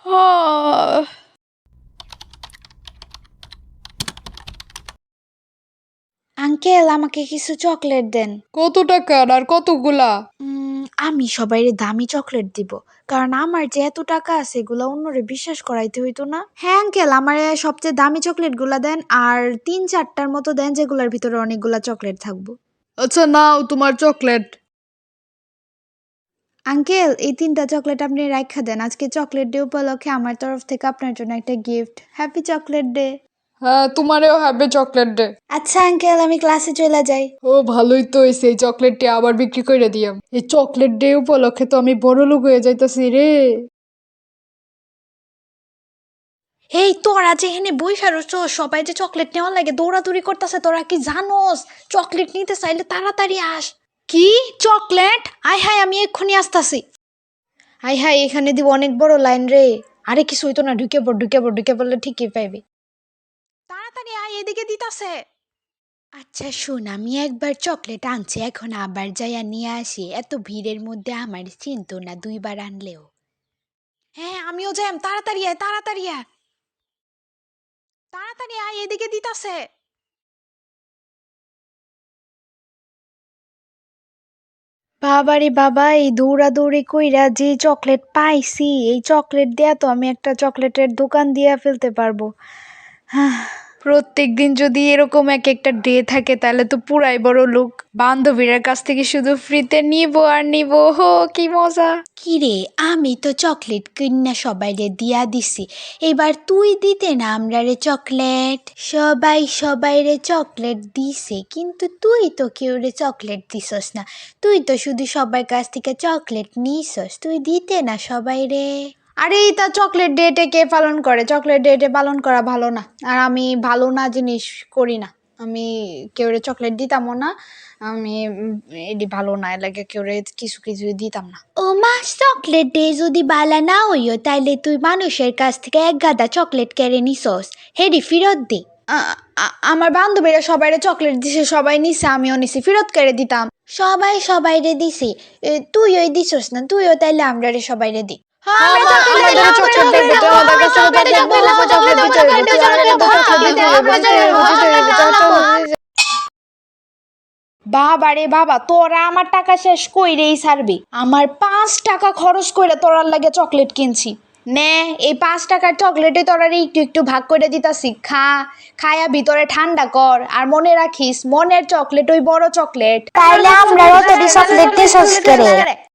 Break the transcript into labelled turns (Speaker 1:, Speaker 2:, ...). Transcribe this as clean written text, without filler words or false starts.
Speaker 1: Uncle আমাকে কিছু chocolate দেন।
Speaker 2: কত টাকার আর কতগুলা?
Speaker 1: আমি সবাইরে দামি চকলেট দিব, কারণ আমার যে এত টাকা আছে এগুলা অন্যরে বিশ্বাস করাইতে হইতো না। হ্যাঁ আঙ্কেল, আমার সবচেয়ে দামি চকলেট গুলা দেন, আর 3-4টার মতো দেন যেগুলার ভিতরে অনেকগুলা চকলেট থাকবো।
Speaker 2: আচ্ছা নাও তোমার চকলেট।
Speaker 1: আঙ্কেল এই 3টা চকলেট আপনি রাইখা দেন, আজকে চকলেট ডে উপলক্ষে আমার তরফ থেকে আপনার জন্য একটা গিফট। Happy chocolate day.
Speaker 2: হ্যাঁ তোমারেও হ্যাপি চকলেট ডে।
Speaker 1: আচ্ছা আঙ্কেল, আমি ক্লাসে চলে যাই।
Speaker 2: ও ভালোই তো হয়েছে, এই চকলেটটি আবার বিক্রি করে দিয়াম। এই চকলেট ডে উপলক্ষে তো আমি বড় লোক হয়ে যাইতাছি রে।
Speaker 1: এই তোরা যে এখানে বইসা রইছো, সবাই যে চকলেট নেওয়া লাগে দৌড়াদৌড়ি করতেছে, তোরা কি জানোস চকলেট নিতে চাইলে তাড়াতাড়ি আস। কি চকলেট? আয় হায়, আমি এক্ষুনি আসতাছি। আয় হায়, এখানে দিব অনেক বড় লাইন রে। আরে কিছু হইতো না, ঢুকে পড়লে ঠিকই পাইবি। তাড়াতাড়ি আয়, এদিকে দিতাছে। আচ্ছা শোন, আমি একবার চকলেট আনছি, এখন আবার যাইয়া নিয়ে আসি। এত ভিড়ের মধ্যে আমার চিন্তা না 2বার আনলেও। হ্যাঁ আমিও যাইম, তাড়াতাড়ি আয়, তাড়াতাড়ি আয়, তাড়াতাড়ি আয়, এদিকে দিতাছে। বাবারে বাবা, এই দৌড়াদৌড়ি কইরা যে চকলেট পাইছি, এই চকলেট দিয়া তো আমি একটা চকলেটের দোকান দিয়া ফেলতে পারবো। প্রত্যেক দিন যদি এরকম এক একটা ডে থাকে তাহলে তো পুরাই বড় লোক। বান্ধবীর কাছ থেকে শুধু ফ্রিতে নিব আর নিব, হো কি মজা। কিরে, আমি তো চকলেট কিনা সবাইরে দিয়া দিছি, এবার তুই দিতে না আমরারে চকলেট। সবাই সবাইরে চকলেট দিছে, কিন্তু তুই তো কেউ রে চকলেট দিছস না। তুই তো শুধু সবার কাছ থেকে চকলেট নিছস, তুই দিতে না সবাইরে। আরে এটা চকলেট ডেটে কে পালন করে? চকলেট ডেটে পালন করা ভালো না, আর আমি ভালো না জিনিস করি না। আমি কেউরে চকলেট দিতামও না। আমি এটি ভালো না, এলাকে কেউরে কিছু কিছু দিতাম না। ও মা, চকলেট ডে যদি বালা না হইও তাইলে তুই মানুষের কাছ থেকে এক গাদা চকলেট কেড়ে নিছস, হেডি ফেরত দে। আমার বান্ধবীরা সবাইরে চকলেট দিছে, সবাই নিছে, আমিও নিছি, ফেরত করে দিতাম। সবাই সবাইরে দিছে, তুইও দিছস না, তুইও তাইলে আমরারে সবাইরে দি।
Speaker 2: আমাদের চকলেট লাগবে তো, আমাদের কাছে চকলেট দিতে হবে।
Speaker 1: বাবা রে বাবা, তোরা আমার টাকা শেষ কইরেই ছাড়বি। আমার 5 টাকা খরচ করে তোরার লাগে চকলেট কিনছি। নে, এই 5 টাকার চকলেটে তোরা একটু একটু ভাগ করে দিতাছি, খা। খায়া ভিতরে ঠান্ডা কর, আর মনে রাখিস মনের চকলেট ওই বড় চকলেট।
Speaker 3: তাইলে আমরা অতটি চকলেট দিছস করে।